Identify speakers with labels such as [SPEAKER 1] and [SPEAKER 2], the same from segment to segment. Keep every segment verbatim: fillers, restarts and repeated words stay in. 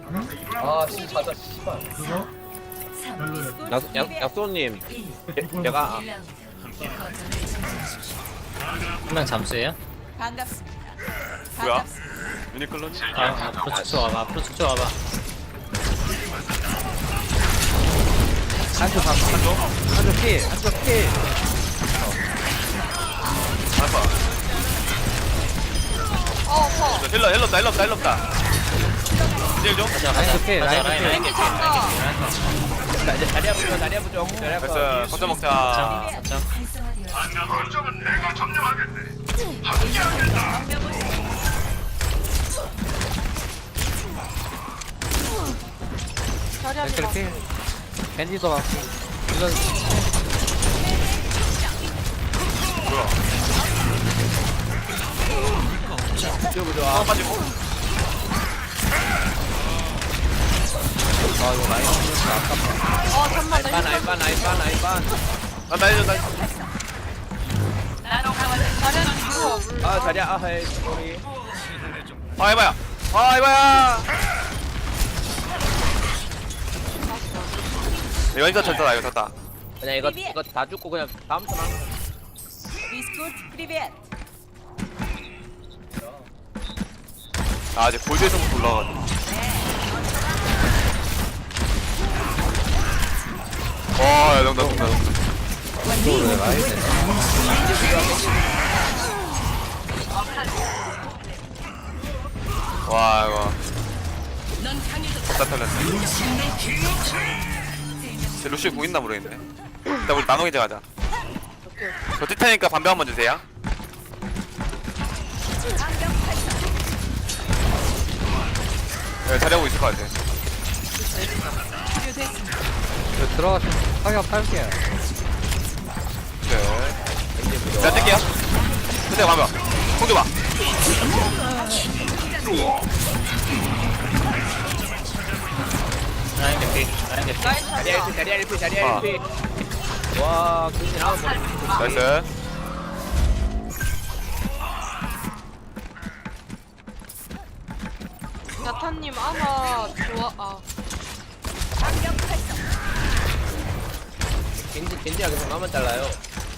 [SPEAKER 1] 아 씨 자자 씨발.
[SPEAKER 2] 그거? 별로야.
[SPEAKER 3] 약, 약, 약소님 제- 제가
[SPEAKER 4] 한 명 잠수예요?
[SPEAKER 5] 반갑습니다.
[SPEAKER 6] 뭐야?
[SPEAKER 5] 반갑습니다.
[SPEAKER 6] 유니클로지?
[SPEAKER 4] 아, 앞으로 축소 와봐. 앞으로 축소 와봐.
[SPEAKER 3] 한쪽 방 한쪽 한쪽 피 한쪽 피
[SPEAKER 6] 알파.
[SPEAKER 5] 어, 퍼.
[SPEAKER 6] 저 힐러 힐러다 힐러다 힐러다. 이제 좀.
[SPEAKER 4] 가자, 가자.
[SPEAKER 3] 라인 개피,
[SPEAKER 4] 가자,
[SPEAKER 3] 라인
[SPEAKER 4] 라인,
[SPEAKER 3] 개피.
[SPEAKER 4] 라인 개피, 라인 개피, 라인 개피.
[SPEAKER 3] 자 이제 자리야 부죠 자리야 부죠 자리야 부죠
[SPEAKER 6] 됐어. 거점 먹자.
[SPEAKER 4] 자, 자.
[SPEAKER 5] 자리하지 마.
[SPEAKER 3] 피 밴디도 갖고 이거
[SPEAKER 6] 뭐야?
[SPEAKER 3] 부죠 부죠
[SPEAKER 6] 아
[SPEAKER 3] 아
[SPEAKER 6] 빠지고.
[SPEAKER 3] 이거 라인 진짜 아깝다
[SPEAKER 5] 어, 잠만 나
[SPEAKER 3] 나이반 나이반 나이반 나이반
[SPEAKER 6] 아 나이스 나이스.
[SPEAKER 5] 자리하지 뒤로 와.
[SPEAKER 3] 아 자리야 아 헤이 소리
[SPEAKER 6] 아 이봐야. 아 이봐야. 이거 진짜 졌다 이거 졌다.
[SPEAKER 3] 그냥 이거 이거 다 죽고 그냥 다음 턴 하는 거
[SPEAKER 5] 비스쿠트 프리벳.
[SPEAKER 6] 아 이제 골드에서부터 올라가가지고. 와, 야, 농다, 농다, 농다.
[SPEAKER 3] 이거를 라인
[SPEAKER 6] 와, 이거. 다 털렸네. 쟤 루시 공 있나 모르겠네. 일단 우리 나눠 이제 가자. 저 티타니까 반병 한번 주세요. 네, 잘하고 있을 것 같아.
[SPEAKER 3] 저 들어가서 타격 할게요
[SPEAKER 6] 네. 자, 뜰게요. 근데 반병. 공 줘봐.
[SPEAKER 4] 라인 개피, 라인 개피.
[SPEAKER 5] 라인
[SPEAKER 3] 자리야
[SPEAKER 5] 자리야.
[SPEAKER 3] 일피 자리야 일피 자리야
[SPEAKER 6] 아.
[SPEAKER 3] 일피 와 그렇게 나온 거
[SPEAKER 6] 나이스.
[SPEAKER 5] 야타님 아마 좋아. 아,
[SPEAKER 3] 겐지 겐지야 계속 나만 잘라요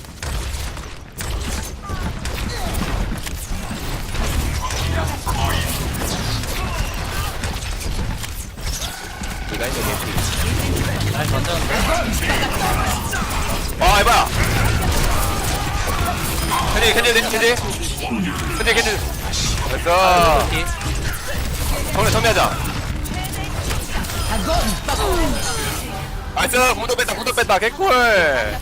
[SPEAKER 3] 이가 이제 개피
[SPEAKER 4] 라인 던졌는데?
[SPEAKER 6] 아, 이봐야. 캔디, 캔디, 캔디. 캔디, 캔디. 됐어.
[SPEAKER 4] 개피.
[SPEAKER 6] 정리, 정리하자. 나이스, 무도 뺐다, 무도 뺐다, 개꿀.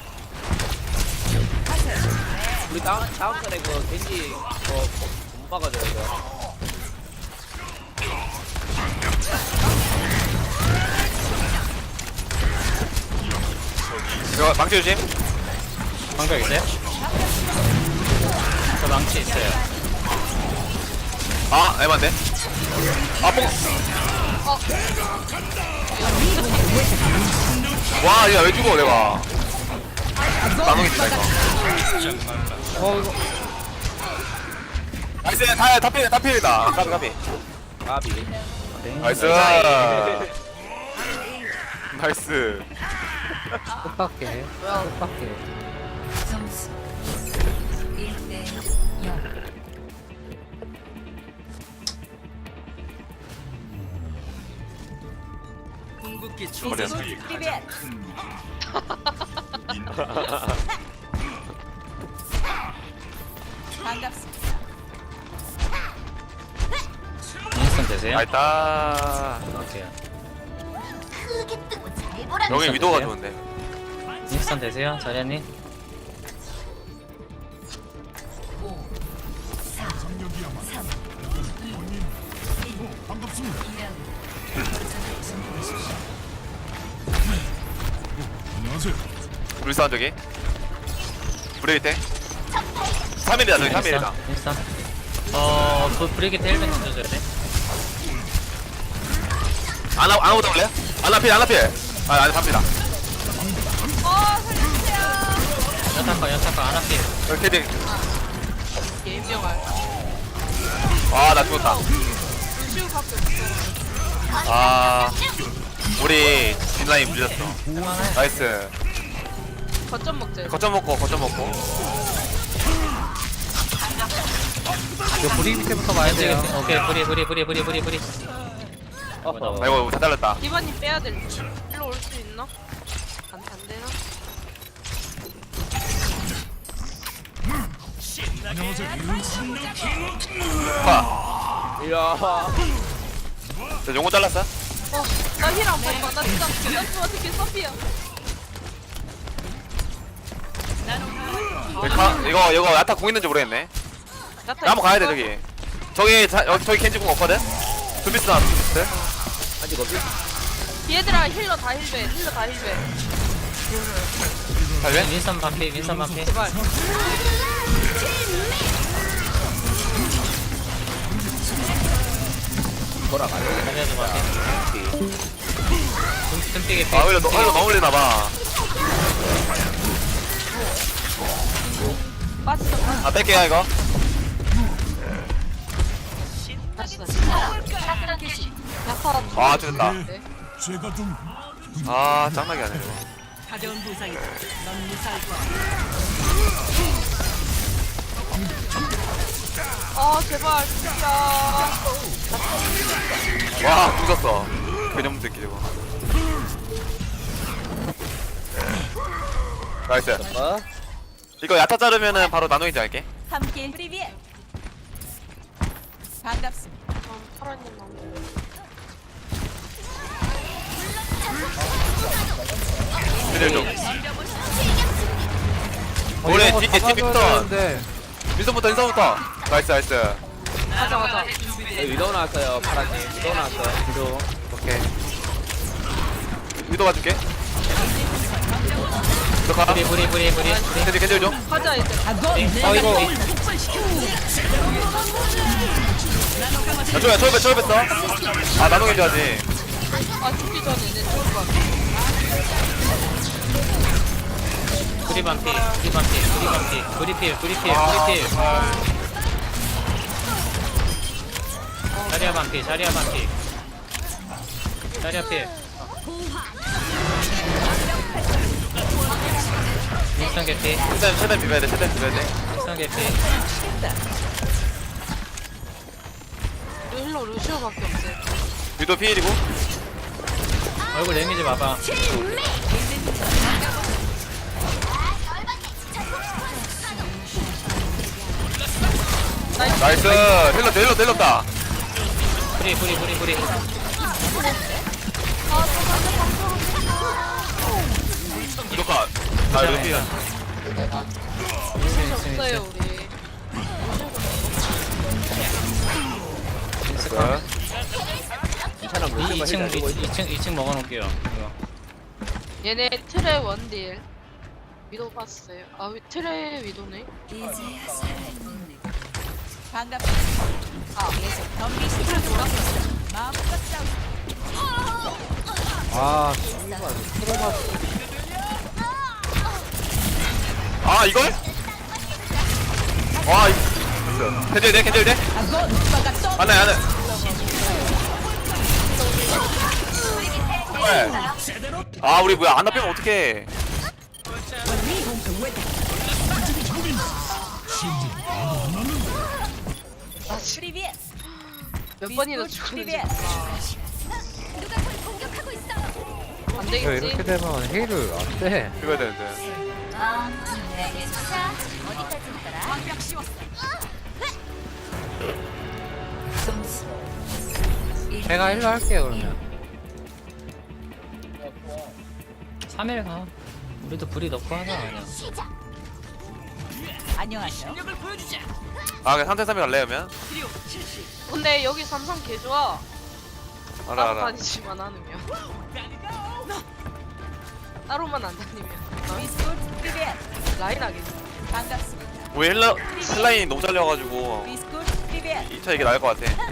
[SPEAKER 3] 우리 다음 다음 턴에 그 겐지 어못 막아줘요 이거
[SPEAKER 6] 이거 망치 조심.
[SPEAKER 4] 방벽 있어요? 저 망치 있어요.
[SPEAKER 6] 아, 에반데. 아, 뽕. 와, 야, 왜 죽어, 내가. 나눠겠다, 이거.
[SPEAKER 3] 어 이거
[SPEAKER 6] 나이스, 다, 다 필, 다 필이다. 가비, 가비.
[SPEAKER 3] 까비
[SPEAKER 6] 나이스. 나이스.
[SPEAKER 3] 뜻밖의 뜻밖의
[SPEAKER 7] 점수 일 대 영.
[SPEAKER 6] 머리야.
[SPEAKER 5] 프리벳. 반갑습니다.
[SPEAKER 4] 인스턴 되세요?
[SPEAKER 6] 나이다.
[SPEAKER 4] 오케이.
[SPEAKER 6] 여기 위도가 좋은데.
[SPEAKER 4] 인스턴 되세요? 자리아님?
[SPEAKER 7] 오, 사, 삼, 이, 일.
[SPEAKER 2] 반갑습니다.
[SPEAKER 7] 이 라운드. 거점을 점령하십시오.
[SPEAKER 2] 안녕하세요.
[SPEAKER 6] 불쌍한 저기. 브레이크 때. 삼 일이다, 저기 삼 일이다.
[SPEAKER 4] 인스턴. 어, 그 브리기트 헬멧 던져줘야 돼?
[SPEAKER 6] 안, 하, 안 하고 올래? 안 앞필, 안 앞필. 아, 안 갑니다.
[SPEAKER 5] 어, 살려주세요.
[SPEAKER 4] 연타카, 연타카, 안 앞필.
[SPEAKER 6] 여기 캐디.
[SPEAKER 5] 예명할.
[SPEAKER 6] 아, 나 죽었다.
[SPEAKER 5] 루시우밖에 없어.
[SPEAKER 6] 아 우리 뒷라인 물렸어. 나이스.
[SPEAKER 5] 거점 먹자.
[SPEAKER 6] 거점 먹고 거점 먹고.
[SPEAKER 4] 이거 브리 밑에부터 가야 돼요. 오케이 브리 브리 브리 브리 브리 브리. 어허.
[SPEAKER 6] 아이고 다 잘랐다.
[SPEAKER 5] 디바님 빼야 될. 일로 올 수 있나? 안, 안 되나?
[SPEAKER 2] 안녕하세요.
[SPEAKER 6] 파.
[SPEAKER 3] 이야.
[SPEAKER 6] 저 용어 잘랐어?
[SPEAKER 5] 어, 나 힐 안 받아. 나 진짜 이거 어떻게 서피야?
[SPEAKER 6] 여기 가, 이거 이거 야타 공 있는지 모르겠네.
[SPEAKER 5] 나타
[SPEAKER 6] 나 한번 가야 돼
[SPEAKER 5] 있어?
[SPEAKER 6] 저기. 저기 자, 여기 저기 켄지 공 없거든. 두비스 나 두비스.
[SPEAKER 3] 아직 없지?
[SPEAKER 5] 얘들아 힐러 다 힐배. 힐러 다 힐배.
[SPEAKER 6] 잘래?
[SPEAKER 4] 윈선 반피 윈선 반피.
[SPEAKER 5] 제발.
[SPEAKER 3] 돌아가요.
[SPEAKER 4] 자리야도 반피. tum피게
[SPEAKER 6] 아 오히려 너 오히려 너무 흘리나 봐.
[SPEAKER 5] 빠졌어. 빠졌어.
[SPEAKER 6] 아 뺄게요 이거.
[SPEAKER 5] 다시 다시. 약간.
[SPEAKER 6] 아 죽었다.
[SPEAKER 5] 네.
[SPEAKER 2] 제가 좀
[SPEAKER 6] 아 짱나게 하네 이거.
[SPEAKER 7] 가벼운 부상이다. 넌 무사할 거야.
[SPEAKER 5] 아 제발 진짜.
[SPEAKER 6] 와 부졌어. 개념 새끼 저거. 나이스.
[SPEAKER 3] 어?
[SPEAKER 6] 이거 야타 자르면은 바로 나노인지 할게.
[SPEAKER 7] 함께 프리비에. 반갑습니다.
[SPEAKER 5] 어, 파라님 안 돼.
[SPEAKER 6] 그들 좀. 올해 뒤에 팀부터 민선부터 인선부터. 나이스 나이스.
[SPEAKER 5] 가자 가자.
[SPEAKER 3] 여기 위도우 나왔어요. 파란님. 위도우 나왔어요. 위도우.
[SPEAKER 6] 오케이. 위도 봐줄게. 너 가.
[SPEAKER 4] 브리 브리 브리 브리.
[SPEAKER 6] 캔디 캔디 좀.
[SPEAKER 5] 가자 이제.
[SPEAKER 4] 어 이거
[SPEAKER 6] 야 쪼야 쪼야 쪼야 뺐어. 아 나노인 줄 알지.
[SPEAKER 5] 아 죽기 전에 내 죽을 것 같아.
[SPEAKER 4] 브리 반피 브리 반피 브리 반피 브리 필 브리 필
[SPEAKER 6] 아,
[SPEAKER 4] 브리 필. 자리야 반피 자리야 반피. 자리야 필. 윈선 개피
[SPEAKER 6] 최대한 최대한 비벼야 돼. 최대한 비벼야 돼.
[SPEAKER 4] 윈선 개피.
[SPEAKER 5] 우리 힐러 루시오밖에 없어.
[SPEAKER 6] 위도 피일이고.
[SPEAKER 4] 얼굴 레미지 봐봐.
[SPEAKER 6] 나이스. 힐러 힐러 힐러다.
[SPEAKER 4] 브리 브리 브리 브리.
[SPEAKER 6] 위도 컷. 아 위도 피일.
[SPEAKER 5] 루시 없어요 우리.
[SPEAKER 3] 괜찮아.
[SPEAKER 4] 이
[SPEAKER 3] 물질만
[SPEAKER 4] 층
[SPEAKER 3] 해가지고 있어.
[SPEAKER 4] 이 층 이 층 먹어놓을게요. 이거.
[SPEAKER 5] 얘네 트레 원딜. 위도 봤어요. 아 위- 트레 위도네.
[SPEAKER 7] 이제야 살아있는 반갑습니다. 아, 계속 덤비 시간 돌아서 마음껏 싸우.
[SPEAKER 3] 아,
[SPEAKER 6] 아 이걸? 와 이거. 캔디 돼 캔디 돼. 안해 안해. 아 우리 뭐야 안 나쁘면 어떡해.
[SPEAKER 7] 프리비에.
[SPEAKER 5] 몇 번이나 죽는지 몰라. 안 되겠지?
[SPEAKER 3] 되면 힐을 안 돼.
[SPEAKER 6] 이거야 되는데.
[SPEAKER 7] 점수.
[SPEAKER 4] 제가 힐러 할게요 그러면. 삼 일 가. 우리도 불이 넣고 하자 그냥.
[SPEAKER 7] 안녕하세요.
[SPEAKER 6] 아 그냥 삼 대 삼이 갈래 그러면?
[SPEAKER 5] 근데 여기 삼성 개 좋아.
[SPEAKER 6] 알아
[SPEAKER 5] 따로
[SPEAKER 6] 알아.
[SPEAKER 5] 다니지만 않으면. 따로만 안 다니면. 어?
[SPEAKER 7] 비스코트 프리비에.
[SPEAKER 5] 라인 하겠지.
[SPEAKER 7] 반갑습니다.
[SPEAKER 6] 우리 헬라 헬라인이 너무 잘려가지고
[SPEAKER 7] 비스코트 프리비에.
[SPEAKER 6] 이 차 이게 나을 것 같아.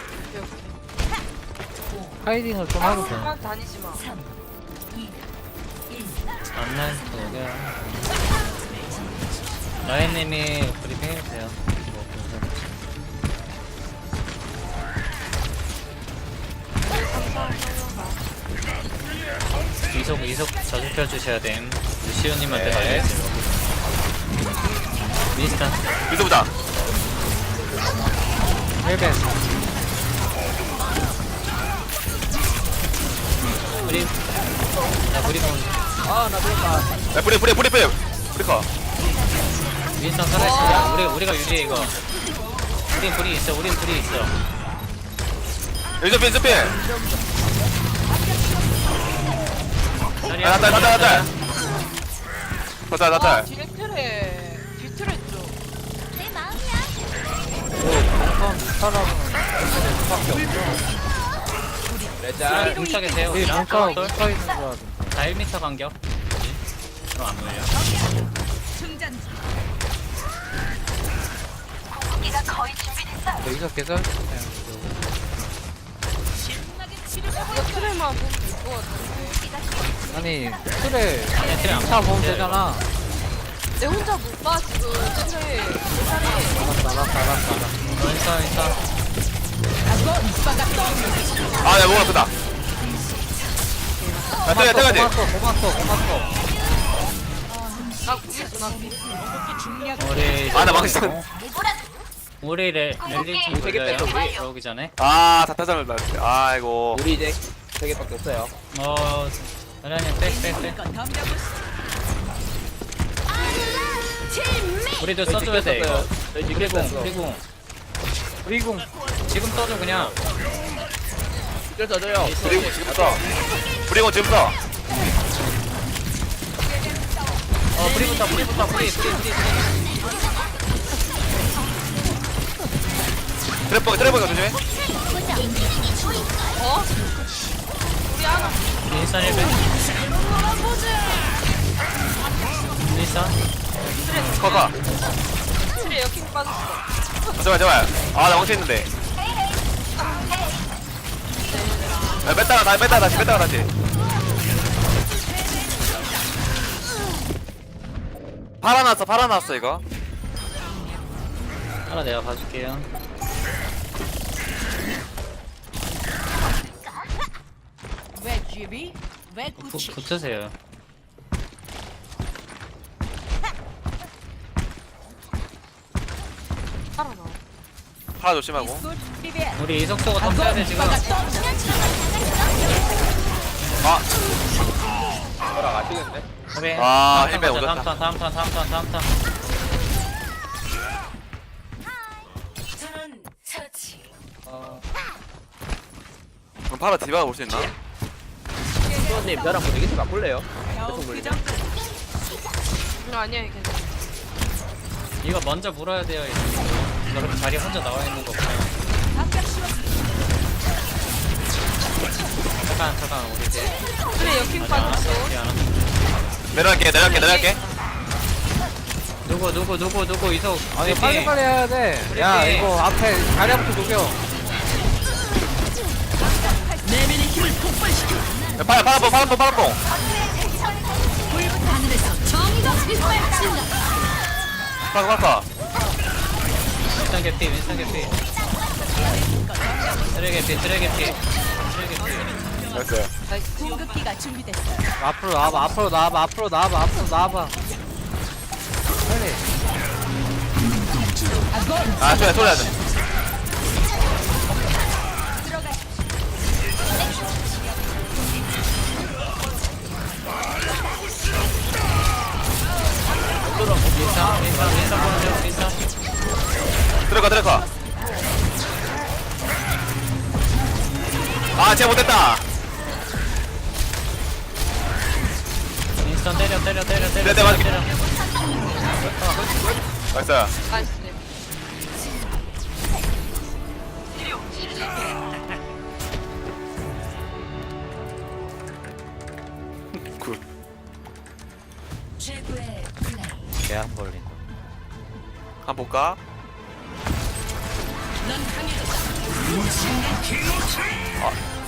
[SPEAKER 4] 하이딩을 좀 하고 돼.
[SPEAKER 5] 따로만 다니지 마.
[SPEAKER 7] 삼, 이, 일.
[SPEAKER 4] 안난 여기야. 라인님이 브리핑 해주세요. 뭐, 그래서.
[SPEAKER 5] 삼성.
[SPEAKER 4] 이속 이속 자주 펴주셔야 됨. 루시오님한테
[SPEAKER 3] 네.
[SPEAKER 4] 달려있어요. 미스터
[SPEAKER 6] 위도보다.
[SPEAKER 4] 헬벤. 우리 야 우리 공
[SPEAKER 3] 아나 그랬다.
[SPEAKER 6] 야 뿌리 뿌리 뿌리 뿌리. 뿌리커.
[SPEAKER 4] 윈스턴 살아있습니다. 우리 우리가 유리해 이거. 우린 불이 있어. 우린 불이 있어.
[SPEAKER 6] 윈스필 윈스필.
[SPEAKER 4] 자리야.
[SPEAKER 6] 아, 나딸 나딸 나딸. 나딸
[SPEAKER 5] 아
[SPEAKER 6] 나딸.
[SPEAKER 5] 뒤에 트레 뒤 트레 쪽.
[SPEAKER 3] 레자.
[SPEAKER 4] 뭉쳐 계세요. 우리 뭉쳐 뭉쳐 있는 줄 알았는데. 다 일 미터 간격. 그럼 안 물려.
[SPEAKER 7] 충전 중.
[SPEAKER 4] 여기서 계속
[SPEAKER 5] 이거 트레만 보면 될 것 같은데.
[SPEAKER 4] 아니 틀에 아니 틀에 안 보면 되잖아.
[SPEAKER 5] 내 혼자 못 봐 지금 트레. 세상에.
[SPEAKER 4] 알았어 알았어 알았어 알았어. 인사 인사.
[SPEAKER 6] 아, 야, 목 아프다. 야, 때려, 때려야지.
[SPEAKER 4] 고맙어 고맙어.
[SPEAKER 5] 나 구했어 나 구했어.
[SPEAKER 4] 우리
[SPEAKER 6] 아, 나 망했어.
[SPEAKER 4] 우리 레 랠리 좀
[SPEAKER 3] 되게
[SPEAKER 4] 돌려요.
[SPEAKER 3] 뺐어, 우리.
[SPEAKER 4] 들어오기 전에.
[SPEAKER 6] 아, 다타장을 맞았대. 아이고.
[SPEAKER 3] 우리 이제 세 개밖에 없어요.
[SPEAKER 4] 어 아니 빼빼 빼.
[SPEAKER 7] 이건 덤벼보시죠.
[SPEAKER 4] 우리도 써줘야 돼 이거.
[SPEAKER 3] 저희 지금
[SPEAKER 4] 우리 공
[SPEAKER 3] 뺐어.
[SPEAKER 4] 우리 공. 우리 공. 지금 써줘 그냥.
[SPEAKER 3] 줄 써줘요.
[SPEAKER 6] 브리고 지금 써. 브리고 지금 써.
[SPEAKER 4] 어 뿌리부터 뿌리부터 뿌리 뿌리 뿌리.
[SPEAKER 6] 트랩버기, 트랩버기가 조심해.
[SPEAKER 5] 어? 우리 하나.
[SPEAKER 4] 인스타 일 배. 인스타.
[SPEAKER 6] 커커.
[SPEAKER 5] 트레 역행 빠졌어.
[SPEAKER 6] 아, 제발, 제발. 아, 나 멈춰있는데. 야, 뺐다가, 다시 뺐다가, 다시 뺐다가, 다시. 팔아놨어, 팔아놨어, 이거.
[SPEAKER 4] 하나 내가 봐줄게요.
[SPEAKER 7] 왜 쥐비? 왜
[SPEAKER 4] 부,
[SPEAKER 7] 구치?
[SPEAKER 4] 붙으세요.
[SPEAKER 5] 살아나.
[SPEAKER 6] 팔아 조심하고.
[SPEAKER 7] 굿 비비안.
[SPEAKER 4] 우리 이석도가 덤벼야 돼 지금.
[SPEAKER 6] 아,
[SPEAKER 3] 저랑 아시겠네.
[SPEAKER 4] 우리
[SPEAKER 6] 아,
[SPEAKER 4] 다음
[SPEAKER 6] 힐백
[SPEAKER 4] 턴 가자,
[SPEAKER 6] 오졌다.
[SPEAKER 4] 다음 턴 다음 턴 다음 턴 다음 턴.
[SPEAKER 7] 전원 처치.
[SPEAKER 4] 어,
[SPEAKER 6] 그럼 팔아 디바가 볼 수 있나?
[SPEAKER 3] 수원님 저랑 뭐 이기서 바꿀래요?
[SPEAKER 7] 겨우
[SPEAKER 3] 계속
[SPEAKER 7] 그
[SPEAKER 3] 물리네.
[SPEAKER 7] 정도.
[SPEAKER 5] 이거 아니야 이게.
[SPEAKER 4] 이거 먼저 물어야 돼요. 이거 그럼 자리 혼자 나와 있는 거 그냥.
[SPEAKER 7] 합격 씌웠습니다.
[SPEAKER 4] 잠깐 잠깐 우리 이제
[SPEAKER 5] 트레 역행
[SPEAKER 4] 아직 안 왔어.
[SPEAKER 5] 빠졌어.
[SPEAKER 4] 우리 안 왔어.
[SPEAKER 6] 내려갈게, 내려갈게, 내려갈게.
[SPEAKER 4] 누구 누구 누구 누구 이석.
[SPEAKER 8] 아니 빨리 빨리 해야 돼. 야
[SPEAKER 4] 우리
[SPEAKER 8] 이거 앞에 자리부터 녹여.
[SPEAKER 6] 야, 팔아, 팔아뽕, 팔아뽕, 팔아뽕. 팔아, 팔아.
[SPEAKER 4] 윈스턴 개피 윈스턴 개피. 쓰레 개피 쓰레 개피 쓰레 개피.
[SPEAKER 6] 됐어요.
[SPEAKER 7] 궁극기가 준비됐어요.
[SPEAKER 8] 앞으로 나와봐. 앞으로 나와봐. 앞으로 나와봐. 앞으로 나와봐. 빨리.
[SPEAKER 6] 아, 소리야, 소리야.
[SPEAKER 4] 윈스턴 윈스턴 윈스턴 보는 중 윈스턴.
[SPEAKER 6] 들어가, 들어가. 아, 쟤 못했다.
[SPEAKER 4] 윈스턴 때려 때려 때려 때려
[SPEAKER 6] 네, 네, 맞-
[SPEAKER 4] 때려.
[SPEAKER 6] 나이스.
[SPEAKER 5] 나이스.
[SPEAKER 6] 굿.
[SPEAKER 7] 최고의 플레이.
[SPEAKER 8] 개안 걸린다.
[SPEAKER 6] 한번 볼까?
[SPEAKER 7] 넌 강해졌다.
[SPEAKER 6] 아,